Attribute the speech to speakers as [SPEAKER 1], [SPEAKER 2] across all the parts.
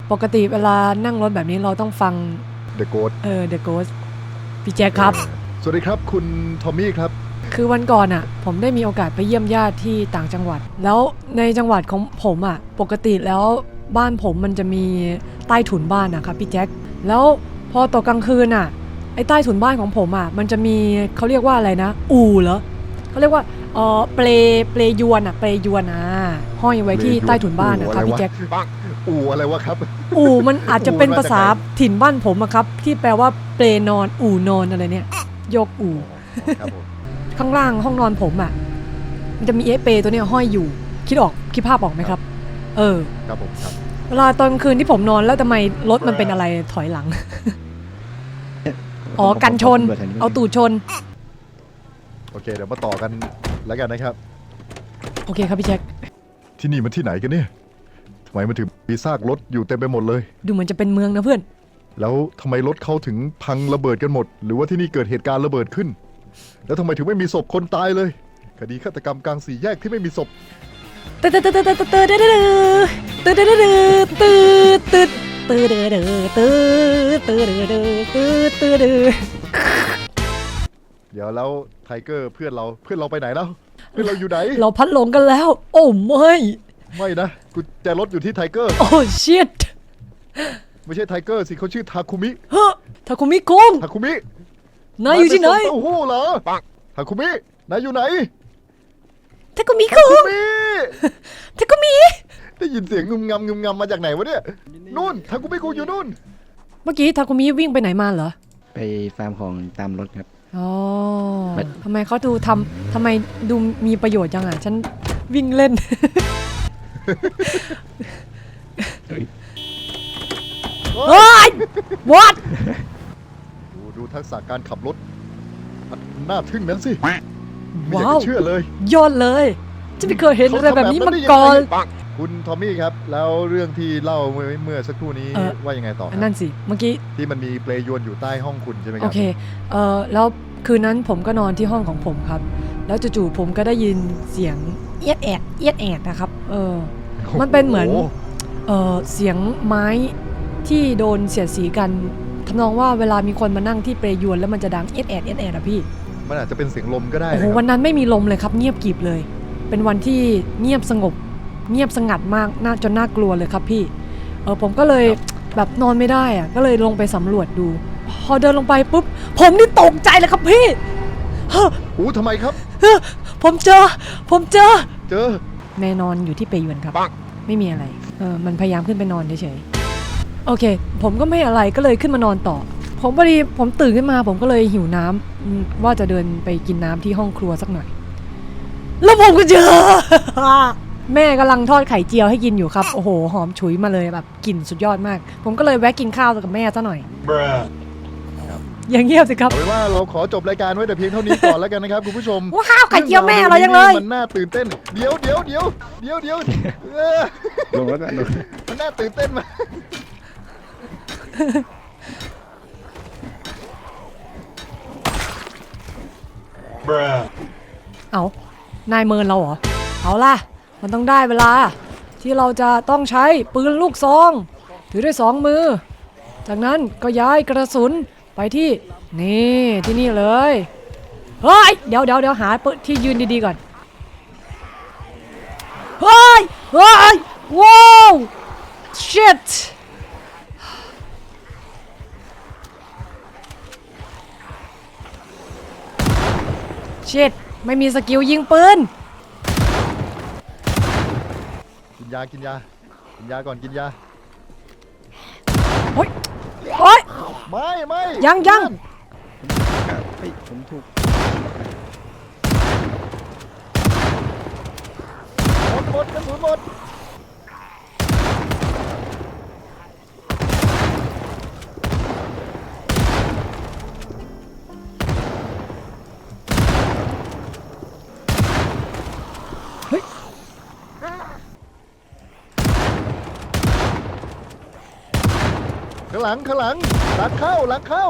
[SPEAKER 1] ปกติเวลานั่งรถแบบนี้เราต้องฟัง
[SPEAKER 2] The Ghost
[SPEAKER 1] The Ghost พี่แจ๊คครับ
[SPEAKER 2] สวัสดีครับคุณทอมมี่ครับ
[SPEAKER 1] คือวันก่อนอ่ะผมได้มีโอกาสไปเยี่ยมญาติที่ต่างจังหวัด แล้วในจังหวัดของผมอ่ะปกติแล้วบ้านผมมันจะมีใต้ถุนบ้านนะครับพี่แจ๊คแล้วพอตกกลางคืนอ่ะไอ้ใต้ถุนบ้านของผมอ่ะมันจะมีเขาเรียกว่าอะไรนะอู่เหรอเขาเรียกว่าเปลยวนห้อยไว้ที่ใต้ถุนบ้านนะครับพี่แจ๊ค
[SPEAKER 2] อู่อะไรวะครับ
[SPEAKER 1] อู่มันอาจจะเป็นภาษาถิ่นบ้านผมอะครับที่แปลว่าเปลนอนอู่นอนอะไรเนี่ยยกอู่
[SPEAKER 2] ครับผม
[SPEAKER 1] ข้างล่างห้องนอนผมอะมันจะมีเปลตัวเนี้ยห้อยอยู่คิดภาพออกไหมครับ
[SPEAKER 2] ครับผมครับ
[SPEAKER 1] เวลาตอนคืนที่ผมนอนแล้วทำไมรถมันเป็นอะไรถอยหลัง อ๋อกันชนเอาตูดชน
[SPEAKER 2] โอเคเดี๋ยวมาต่อกันแล้วกันนะครับ
[SPEAKER 1] โอเคครับพี่แจ็ค
[SPEAKER 2] ที่นี่มันที่ไหนกันเนี่ยทำไมมันถึงมีซากรถอยู่เต็มไปหมดเลย
[SPEAKER 1] ดูเหมือนจะเป็นเมืองนะเพื่อน
[SPEAKER 2] แล้วทำไมรถเขาถึงพังระเบิดกันหมด หรือว่าที่นี่เกิดเหตุการณ์ระเบิดขึ้น แล้วทำไมถึงไม่มีศพคนตายเลยคดีฆาตกรรมกลางสี่แยกที่ไม่มีศพ เดี๋ยวแล้วไทเกอร์เพื่อนเราไปไหนแล้วเพื่อนเราอยู่ไหน
[SPEAKER 1] เราพัดหลงกันแล้ว โอ้
[SPEAKER 2] ไม่นะกุญแจรถอยู่ที่ไทเกอร์
[SPEAKER 1] โอ้ชิต
[SPEAKER 2] ไม่ใช่ไทเกอร์สิเขาชื่อทาคุมิ
[SPEAKER 1] เฮ้ทาคุมิคุง
[SPEAKER 2] ทาคุมิ
[SPEAKER 1] นายอยู่ที่ไหน
[SPEAKER 2] าปส่งเต้าหู้เหรอทาคุมินายอยู่ไหน
[SPEAKER 1] ทาคุมิคุง
[SPEAKER 2] มิ
[SPEAKER 1] ทาคุมิ
[SPEAKER 2] ได้ยินเสียงงึมงำมาจากไหนวะเนี่ยนู่นทาคุมิกูอยู่นู่น
[SPEAKER 1] เมื่อกี้ทาคุมิวิ่งไปไหนมาเหรอ
[SPEAKER 3] ไปฟาร์มของตามรถครับ
[SPEAKER 1] อ๋อทำไมเขาดูทำไมดูมีประโยชน์จังอ่ะฉันวิ่งเล่น เฮ้ย what
[SPEAKER 2] ดูทักษะการขับรถน่าทึ่งนั้นสิไม่อยาก
[SPEAKER 1] ว้าว
[SPEAKER 2] จะเชื่อเลย
[SPEAKER 1] ยอดเลยจะไม่เคยเห็นอะไรแบบนี้มาก่อน
[SPEAKER 2] คุณทอมมี่ครับแล้วเรื่องที่เล่าเมื่อสักครู่นี้ว่ายังไงต่อครับ
[SPEAKER 1] นั่นสิเมื่อกี้
[SPEAKER 2] ที่มันมีเปลยวนอยู่ใต้ห้องคุณใช่ไหมค
[SPEAKER 1] โอ
[SPEAKER 2] รับ
[SPEAKER 1] เคแล้วคืนนั้นผมก็นอนที่ห้องของผมครับ แล้วจู่ๆผมก็ได้ยินเสียงเอียดแอดนะครับมันเป็นเหมือนเสียงไม้ที่โดนเสียดสีกันทำนองว่าเวลามีคนมานั่งที่เปลยวนแล้วมันจะดังเอียดแอดอะพี่
[SPEAKER 2] มันอาจจะเป็นเสียงลมก็ได้
[SPEAKER 1] โอ้โห
[SPEAKER 2] นะครับ
[SPEAKER 1] วันนั้นไม่มีลมเลยครับเงียบกริบเลย เป็นวันที่เงียบสงบเงียบสงัดมากจนน่ากลัวเลยครับพี่ผมก็เลยแบบนอนไม่ได้อะก็เลยลงไปสำรวจดู พอเดินลงไปปุ๊บผมนี่ตกใจเลยครับพี่
[SPEAKER 2] ทำไมครับ
[SPEAKER 1] ผมเจอ
[SPEAKER 2] เจอ
[SPEAKER 1] แม่นอนอยู่ที่เปยวนครับไม่มีอะไรมันพยายามขึ้นไปนอนเฉยๆโอเค ผมก็ไม่อะไรก็เลยขึ้นมานอนต่อผมพอดีผมตื่นขึ้นมาผมก็เลยหิวน้ำว่าจะเดินไปกินน้ำที่ห้องครัวสักหน่อยแล้วผมก็เจอ แม่กำลังทอดไข่เจียวให้กินอยู่ครับโอ้โหหอมฉุยมาเลยแบบกลิ่นสุดยอดมาก ผมก็เลยแวะกินข้าวกับแม่ซะหน่อยอย่างเงียบสิครับ
[SPEAKER 2] เอาเป็นว่าเราขอจบรายการไว้แต่เพียงเท่านี้ก่อนแล้วกันนะครับคุณผู้ชม
[SPEAKER 1] ว้าวไข่เจียวแม่อร่อยจังเลย
[SPEAKER 2] มันน่าตื่นเต้นเดี๋ยว
[SPEAKER 3] ลงแล้วกันลง
[SPEAKER 2] มันน่าตื่นเต้นมาก
[SPEAKER 1] เอานายเมินเราเหรอเอาล่ะมันต้องได้เวลาที่เราจะต้องใช้ปืนลูกซองถือด้วย2 มือจากนั้นก็ย้ายกระสุนไปที่นี่เลยเฮ้ยเดี๋ยวหาที่ยืนดีๆก่อนเฮ้ยว้าว shit ไม่มีสกิลยิงปืน
[SPEAKER 2] กินยาก่อนกินยา
[SPEAKER 1] โอ๊ย
[SPEAKER 2] ไม่
[SPEAKER 1] ยัง
[SPEAKER 3] เฮ้ยผมถูก
[SPEAKER 2] หมดกระสุนหมดข้างหลังหลังเข้า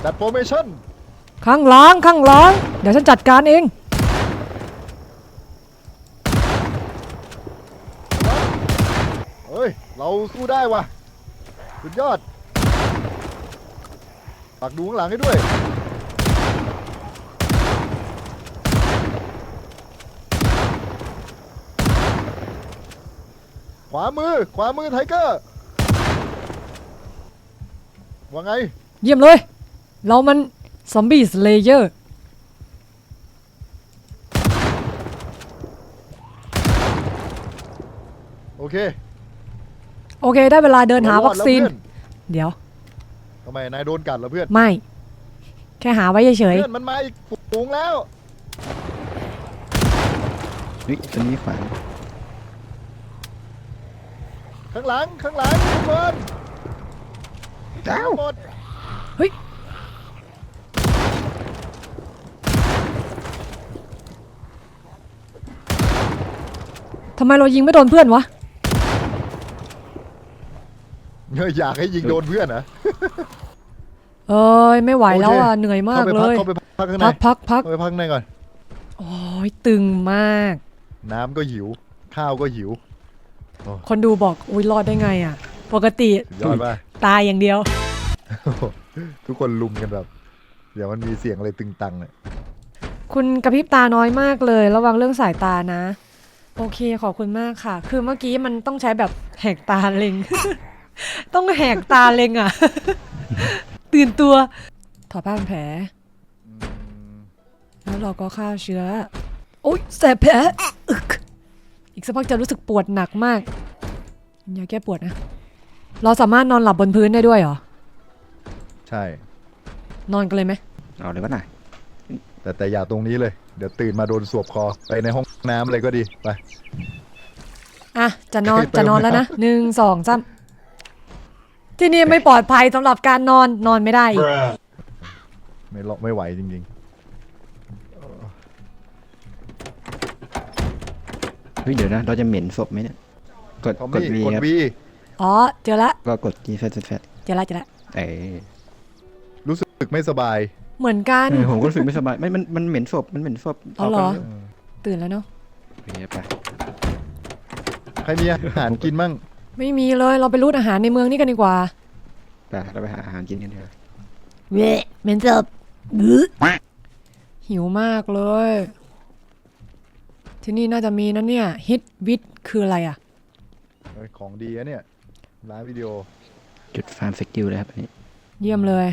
[SPEAKER 2] จัดโฟร์เมชั่น
[SPEAKER 1] ข้างหลังข้างหลังเดี๋ยวฉันจัดการเอง
[SPEAKER 2] เฮ้ยเราสู้ได้ว่ะสุดยอดฝากดูข้างหลังให้ด้วยขวามือไทเกอร์ว่าไง
[SPEAKER 1] เยี่ยมเลย เรามันซอมบี้สเลเยอร์
[SPEAKER 2] โอเค
[SPEAKER 1] โอเคได้เวลาเดินหาวัคซีน
[SPEAKER 2] รอดแล้วเพื่อน
[SPEAKER 1] เดี๋ยว
[SPEAKER 2] ทำไมนายโดนกัดเหรอเพื่อน
[SPEAKER 1] ไม่ แค่หาไว้เฉย
[SPEAKER 2] เพื่อนมันมาอีกฝูงแล้ว
[SPEAKER 3] นี่ตัวนี้ขวาง
[SPEAKER 2] ข้างหลังทุกคน
[SPEAKER 3] อ้าว
[SPEAKER 2] หมด
[SPEAKER 1] ๆเฮ้ยทำไมเรายิงไม่โดนเพื่อนวะ
[SPEAKER 2] อยากให้ยิงโดนเพื่อนนะ
[SPEAKER 1] เอ้ยไม่ไหวแล้วอ่ะเหนื่อยมากเลย
[SPEAKER 2] เข้าไปพักข้างใน
[SPEAKER 1] พัก
[SPEAKER 2] เข้าไปพักข้างในก่อน
[SPEAKER 1] โอ้ยตึงมาก
[SPEAKER 2] น้ำก็หิว ข้าวก็หิว
[SPEAKER 1] คนดูบอกอุ้ยรอดได้ไงอ่ะ ปกติ
[SPEAKER 2] สุดยอดป่ะ
[SPEAKER 1] ตายอย่างเดียว
[SPEAKER 2] ทุกคนลุมกันแบบ เดี๋ยวมันมีเสียงอะไรตึงตังเนี่ย
[SPEAKER 1] คุณกระพริบตาน้อยมากเลย ระวังเรื่องสายตานะ โอเคขอบคุณมากค่ะ คือเมื่อกี้มันต้องใช้แบบแหกตาเล็ง ต้องแหกตาเล็งอ่ะ ตื่นตัว ถอดผ้าพันแผล แล้วเราก็ฆ่าเชื้อ โอ๊ยแสบแผลอึกอีกสักพักจะรู้สึกปวดหนักมากอย่าแก้ปวดนะ เราสามารถนอนหลับบนพื้นได้ด้วยเหรอ
[SPEAKER 2] ใช่
[SPEAKER 1] นอนกันเลยไหม
[SPEAKER 3] เอาเลยวะน่ะ
[SPEAKER 2] แต่อย่าตรงนี้เลย เดี๋ยวตื่นมาโดนสวบคอ ไปในห้องน้ำเลยก็ดี ไป
[SPEAKER 1] อ่ะ จะนอน
[SPEAKER 2] ไป
[SPEAKER 1] จะนอน
[SPEAKER 2] ไป
[SPEAKER 1] แล้วนะ1 2 3ที่นี่ไม่ปลอดภัยสำหรับการนอนไม่ได้อีก
[SPEAKER 2] ไม่ไหวจริง
[SPEAKER 3] เฮ้ยเดี๋ยวนะเราจะเหม็นศพไหมเนี่ยกด
[SPEAKER 2] ๆทอม
[SPEAKER 3] กด
[SPEAKER 2] มี่
[SPEAKER 3] วี
[SPEAKER 2] กด
[SPEAKER 3] ครับ
[SPEAKER 2] วี
[SPEAKER 1] อ๋อเจอละ
[SPEAKER 3] ก็กดจีแฟตแฟต
[SPEAKER 1] เจอละ
[SPEAKER 3] เอ้ย
[SPEAKER 2] รู้สึกไม่สบาย
[SPEAKER 1] เหมือนกัน
[SPEAKER 3] ผมก็รู้สึกไม่สบายมันเหม็นศพมันเหม็นศพ
[SPEAKER 1] อ๋อเหรอ
[SPEAKER 3] กไป
[SPEAKER 1] ตื่นแล้วเนาะ
[SPEAKER 3] เร็วไป
[SPEAKER 2] ใครมีอาหารกินมั่ง
[SPEAKER 1] ไม่มีเลยเราไปรูดอาหารในเมืองนี่กันดีกว่า
[SPEAKER 3] ไปเราไปหาอาหารกินกันเถอะ
[SPEAKER 1] เวะเหม็นจับหิวมากเลย ที่นี่น่าจะมีนะเนี่ยฮิตวิทคืออะไรอ่ะ
[SPEAKER 2] ของดีอะเนี่ย ร้านวิดีโอ
[SPEAKER 3] จุดฟาร์มสกิลเลยครับอันนี้
[SPEAKER 1] เยี่ยมเลย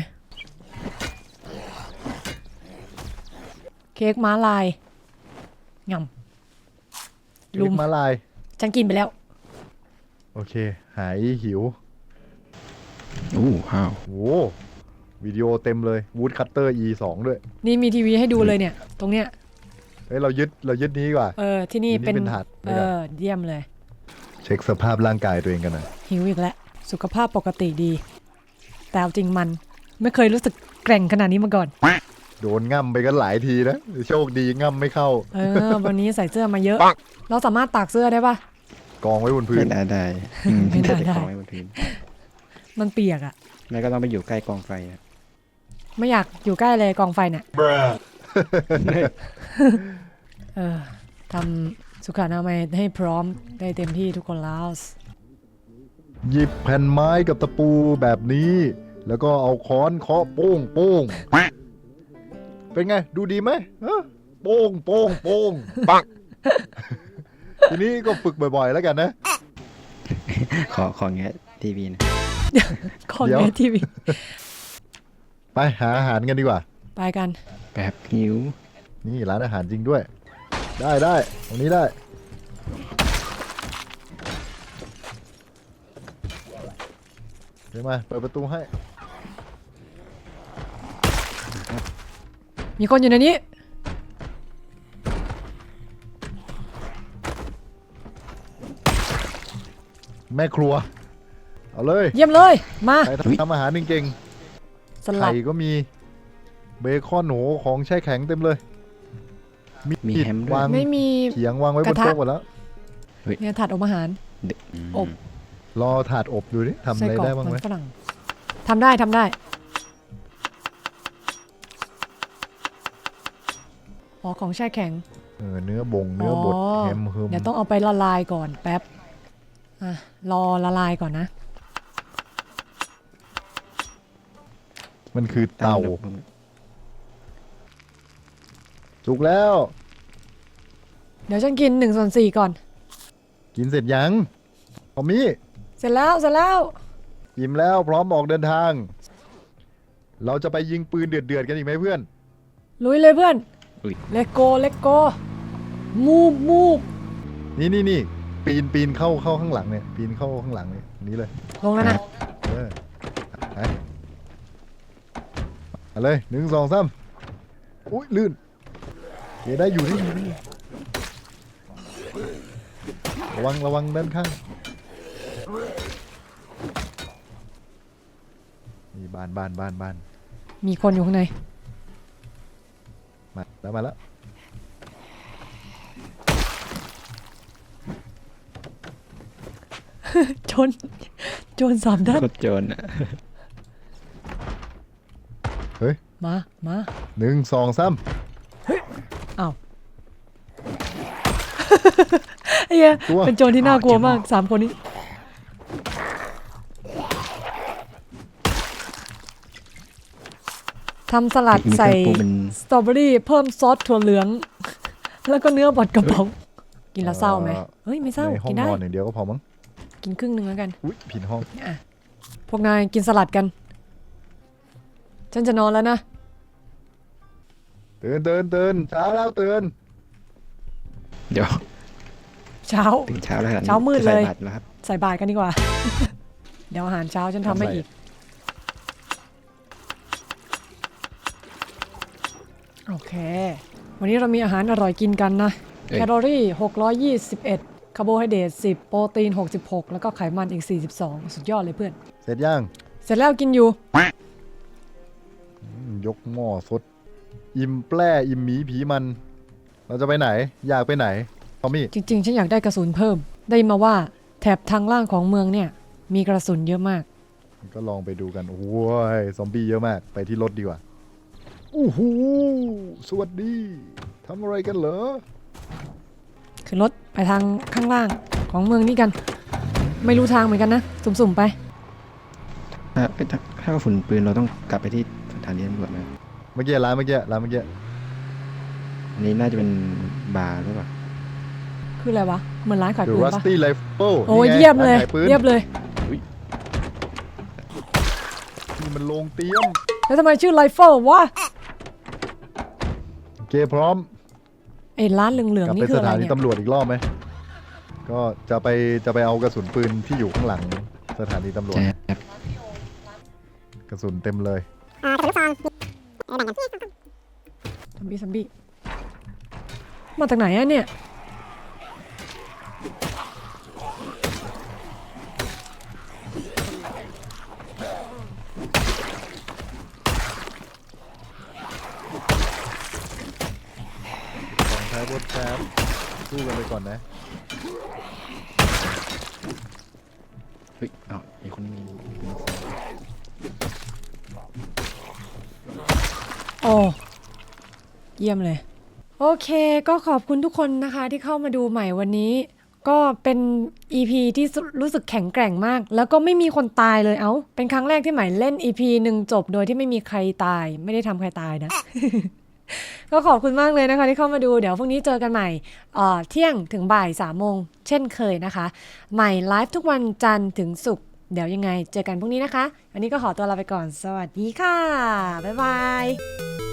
[SPEAKER 1] เค้กม้าลายงำลุม
[SPEAKER 2] มาลาย
[SPEAKER 1] ฉันกินไปแล้ว
[SPEAKER 2] โอเค หายหิว
[SPEAKER 3] โอ้ว้าว
[SPEAKER 2] โว้วิดีโอเต็มเลยวูดคัตเตอร์ E2 ด้วย
[SPEAKER 1] นี่มีทีวีให้ดูเลยเนี่ย ตรงเนี้ย
[SPEAKER 2] เฮ้ยเรายึดนี้ดีกว่า
[SPEAKER 1] ที่นี่
[SPEAKER 2] ทีนี้
[SPEAKER 1] เป็น
[SPEAKER 2] เป็นถาดด้วยกัน
[SPEAKER 1] เยี่ยมเลย
[SPEAKER 2] เช็คสภาพร่างกายตัวเองกันหน่อย
[SPEAKER 1] หิวอีกแล้ว สุขภาพปกติดี แต่เอาจริงมันไม่เคยรู้สึกแกร่งขนาดนี้มาก่อน
[SPEAKER 2] โดนง่ำไปกันหลายทีนะ โชคดีง่ำไม่เข้า
[SPEAKER 1] วันนี้ใส่เสื้อมาเยอะ เราสามารถตากเสื้อได้ปะ
[SPEAKER 2] กองไว้บนพื้
[SPEAKER 3] ไม่
[SPEAKER 2] น
[SPEAKER 3] ได้ได้
[SPEAKER 1] ไม่ได้
[SPEAKER 3] แต่ของไว้บนพื้น
[SPEAKER 1] มันเปียกอะ
[SPEAKER 3] แม่ก็ต้องไปอยู่ใกล้กองไฟอะ
[SPEAKER 1] ไม่อยากอยู่ใกล้เลยกองไฟเนี่ยทำสุขอนามัยให้พร้อมได้เต็มที่ทุกคนแล้ว
[SPEAKER 2] หยิบแผ่นไม้กับตะปูแบบนี้ แล้วก็เอาค้อนเคาะโป้งโป้งเป็นไง ดูดีไหมฮะโป้งโป้งโป้งปังทีนี้ก็ฝึกบ่อยๆแล้วกันนะ
[SPEAKER 3] ขอแงะทีวีนะ
[SPEAKER 1] คอน
[SPEAKER 2] เดี๋ยว
[SPEAKER 1] แมทีวี
[SPEAKER 2] ไปหาอาหารกันดีกว่า
[SPEAKER 1] ไปกัน
[SPEAKER 3] แบบหิว
[SPEAKER 2] นี่ร้านอาหารจริงด้วย ได้ตรงนี้ได้เดี๋ยวมาเปิดประตูให้
[SPEAKER 1] มีคนอยู่ในนี้
[SPEAKER 2] แม่ครัว เอาเลย
[SPEAKER 1] เยี่ยมเลย มา
[SPEAKER 2] ใครทำอาหารเก่ง
[SPEAKER 1] ส
[SPEAKER 2] ๆ
[SPEAKER 1] ลั
[SPEAKER 2] ไข่
[SPEAKER 1] ด
[SPEAKER 2] ก็มีเบคอนหนูของแช่แข็งเต็มเลย
[SPEAKER 3] มีแฮมด้วย
[SPEAKER 2] วาง
[SPEAKER 1] ไม่มี
[SPEAKER 2] เขียงวางไว้บ
[SPEAKER 1] ก
[SPEAKER 2] น
[SPEAKER 1] ระทะ
[SPEAKER 2] โต๊ะหมดแล้ว
[SPEAKER 1] เนี่ยถาดอบอาหาร อบ
[SPEAKER 2] รอถาดอบดูดิทำอะ
[SPEAKER 1] ไส้
[SPEAKER 2] ไร
[SPEAKER 1] กรอก
[SPEAKER 2] ได้บ้าง
[SPEAKER 1] มั
[SPEAKER 2] ไหม
[SPEAKER 1] นฝรั่งทำได้อ๋อของแช่แข็ง
[SPEAKER 2] เนื้อบเนื้อบดแฮมเฮิม
[SPEAKER 1] เดี๋ยวต้องเอาไปละลายก่อนแป๊บอ่ะรอละลายก่อนนะ
[SPEAKER 2] มันคือเต่าสุกแล้ว
[SPEAKER 1] เดี๋ยวฉันกิน1/4ก่อน
[SPEAKER 2] กินเสร็จยังพอมี่
[SPEAKER 1] เสร็จแล้วเสร็จแล้ว
[SPEAKER 2] อิ่มแล้วพร้อมออกเดินทาง เราจะไปยิงปืนเดือดๆกันอีกไหมเพื่อน
[SPEAKER 1] ลุยเลยเพื่อน
[SPEAKER 3] อุ๊ย
[SPEAKER 1] เลโกเลโกมูฟมูฟ
[SPEAKER 2] นี่ปีนเข้าข้างหลังเนี่ยปีนเข้าข้างหลังเนี่ยนี้เลย
[SPEAKER 1] ลงแล้วนะ
[SPEAKER 2] เออไปเอาเลย1 2 3อุ้ยลื่นเดี๋ยวได้อยู่ระวังด้านข้างนี่บ้าน
[SPEAKER 1] มีคนอยู่ข้างใน
[SPEAKER 2] มาแล้ว
[SPEAKER 1] โจร3 ด้าน
[SPEAKER 3] โคตรโจรอ่ะ
[SPEAKER 2] เฮ้ย
[SPEAKER 1] มา
[SPEAKER 2] 1 2 3
[SPEAKER 1] อ้าว ไอ้เหี้ย
[SPEAKER 2] ตัว
[SPEAKER 1] เป็นโจรที่น่ากลัวมาก3 คนนี้ทำสลัด
[SPEAKER 3] มี
[SPEAKER 1] ใส่
[SPEAKER 3] เครื่องปรุงเป็น
[SPEAKER 1] สตรอเบอรี่เพิ่มซอสถั่วเหลือง แล้วก็เนื้อบดกระป๋องกินแล้วเศร้าไหมเฮ้ยไม่เศร้า
[SPEAKER 2] ในห้อ
[SPEAKER 1] กิ
[SPEAKER 2] ง
[SPEAKER 1] นได้
[SPEAKER 2] นอนอย่างเดียวก็พอมั้ง
[SPEAKER 1] กินครึ่งหนึงแล้วกัน
[SPEAKER 2] อุ้ยผิดห้อง
[SPEAKER 1] อ่ะพวกนายกินสลัดกัน ฉันจะนอนแล้วนะ
[SPEAKER 2] ตื่นเช้าแล้วตื่น
[SPEAKER 3] เดี๋ยว
[SPEAKER 1] เช้า
[SPEAKER 3] ถึงเช้าแล้ว
[SPEAKER 1] เช้ามืดเลย
[SPEAKER 3] จะใส่บาตรแล้วครับ
[SPEAKER 1] ใส่บาตรกันดีกว่า เดี๋ยวอาหารเช้าฉันทำให้อีก โอเค วันนี้เรามีอาหารอร่อยกินกันนะ
[SPEAKER 3] เอ้ย
[SPEAKER 1] แคลอรี่621 คาร์โบไฮเดรต10 โปรตีน66 แล้วก็ไขมันอีก42สุดยอดเลยเพื่อน
[SPEAKER 2] เสร็จยัง
[SPEAKER 1] เสร็จแล้วกินอยู่
[SPEAKER 2] ยกหม้อสด อิ่มแปร่อิ่มหมีผีมัน เราจะไปไหน อยากไปไหนทอมมี่
[SPEAKER 1] จริงๆ ฉันอยากได้กระสุนเพิ่ม ได้มาว่าแถบทางล่างของเมืองเนี่ย มีกระสุนเยอะมาก
[SPEAKER 2] ก็ลองไปดูกัน โอ้ย ซอมบี้เยอะมาก ไปที่รถดีกว่าอู้หูสวัสดี ทำอะไรกันเหรอ
[SPEAKER 1] ขึ้นรถไปทางข้างล่างของเมืองนี้กัน ไม่รู้ทางเหมือนกันนะ สุ่มๆไป
[SPEAKER 3] ถ้ากระสุนปืนเราต้องกลับไปที่สถานีตำรวจไหม
[SPEAKER 2] เมื่อกี้ร้านเมื่อกี้
[SPEAKER 3] อันนี้น่าจะเป็นบาร์หรือเปล่า
[SPEAKER 1] คืออะไรวะ เหมือนร้านขาย
[SPEAKER 2] ดู
[SPEAKER 1] ปืน
[SPEAKER 2] รัส
[SPEAKER 1] ปะ
[SPEAKER 2] ตี้ไลฟ์โป้
[SPEAKER 1] โอ้ยเยี่ยมเลย เยี่ยมเลย
[SPEAKER 2] นี่มันโรงเตรียม
[SPEAKER 1] แล้วทำไมชื่อไรเฟิลวะ
[SPEAKER 2] โอเคพร้อม
[SPEAKER 1] ไอ้ร้านเหลือง
[SPEAKER 2] กลับ
[SPEAKER 1] ๆ
[SPEAKER 2] ไป
[SPEAKER 1] นี่คื
[SPEAKER 2] ส
[SPEAKER 1] ออะไร
[SPEAKER 2] ถานี
[SPEAKER 1] เนี่ย
[SPEAKER 2] ตำรวจอีกรอบไหม ก็จะไปเอากระสุนปืนที่อยู่ข้างหลังสถานีตำรวจ
[SPEAKER 3] ใช่ครับ
[SPEAKER 2] กระสุนเต็มเลย
[SPEAKER 1] ซัมบี้มาจากไหนอะเนี่ย
[SPEAKER 2] ของท้ายบทแคปสู้กันไปก่อนนะ
[SPEAKER 3] เฮ้ยอ้าวมีคนมี
[SPEAKER 1] โอ้เยี่ยมเลย โอเคก็ขอบคุณทุกคนนะคะที่เข้ามาดูใหม่วันนี้ ก็เป็น EP ที่รู้สึกแข็งแกร่งมาก แล้วก็ไม่มีคนตายเลยเอ้าเป็นครั้งแรกที่ใหม่เล่น EP หนึ่งจบโดยที่ไม่มีใครตายไม่ได้ทำใครตายนะ ก็ขอบคุณมากเลยนะคะที่เข้ามาดูเดี๋ยวพรุ่งนี้เจอกันใหม่เที่ยงถึงบ่าย3 โมงเช่นเคยนะคะใหม่ไลฟ์ทุกวันจันทร์ถึงศุกร์เดี๋ยวยังไงเจอกันพรุ่งนี้นะคะวันนี้ก็ขอตัวลาไปก่อนสวัสดีค่ะบ๊ายบาย